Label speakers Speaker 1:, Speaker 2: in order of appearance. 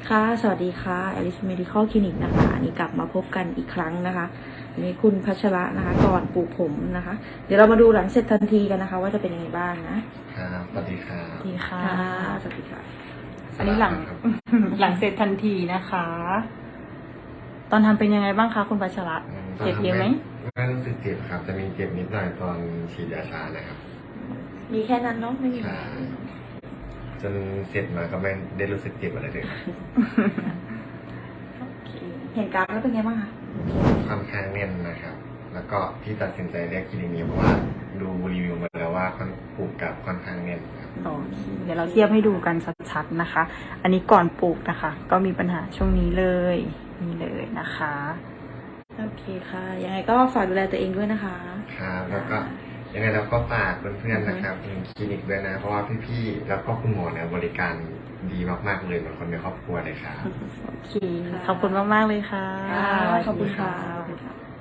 Speaker 1: ค่ะสวัสดีค่ะ Alice Medical Clinic นะคะอันนี้กลับมาพบกันอีกครั้งนะคะอันนี้คุณพัชระนะคะก่อนปลูกผมนะคะ เดี๋ยวเรามาดูหลังเสร็จทันทีกันนะคะ ว่าจะเป็นยังไงบ้างนะครับ
Speaker 2: สวัสดีครับ
Speaker 3: สวัสดีค่ะ
Speaker 1: สวัสดีค่ะ
Speaker 3: อันนี้หลัง
Speaker 2: ครับ
Speaker 3: หลังเสร็จทันทีนะคะ ตอนทำเป็นยังไงบ้างคะคุณพัชระเจ็บเยอะไหม
Speaker 2: ไม่รู้สึกเจ็บครับ จะมีเจ็บนิดหน่อยตอนฉีดยาชานะครับ
Speaker 1: มีแค่นั้นเนาะไม่มี
Speaker 2: ใช่จนเสร็จมาก็ไม่ได้รู้สึกเจ็บอะไรเลยครับ
Speaker 1: โอเคเห็นกราฟแล้วเป็นไงบ้างคะ
Speaker 2: ค่อนข้างแน่นนะครับ แล้วก็ที่ตัดสินใจเรียกคลินิกนี้เพราะว่าดูรีวิวมาแล้วว่าปลูกกับค่อนข้างแน่นครับ
Speaker 3: โอเคเดี๋ยวเราเทียบให้ดูกันชัดๆนะคะ อันนี้ก่อนปลูกนะคะ ก็มีปัญหาช่วงนี้เลยนี่เลยนะคะ
Speaker 1: โอเคค่ะ ยังไงก็ฝากดูแลตัวเองด้วยนะคะ
Speaker 2: ครับแล้วก็ยังไงเราก็ฝากเพื่อนๆนะครับถึงคลินิกด้วยนะ เพราะว่าพี่ๆแล้วก็คุณหมอเนี่ยบริการดีมากๆเลยเหมือนคนในครอบครัวเลยครับ
Speaker 3: โอเค ขอบคุณมากๆเลยค่ะ
Speaker 1: ขอบคุณค่ะ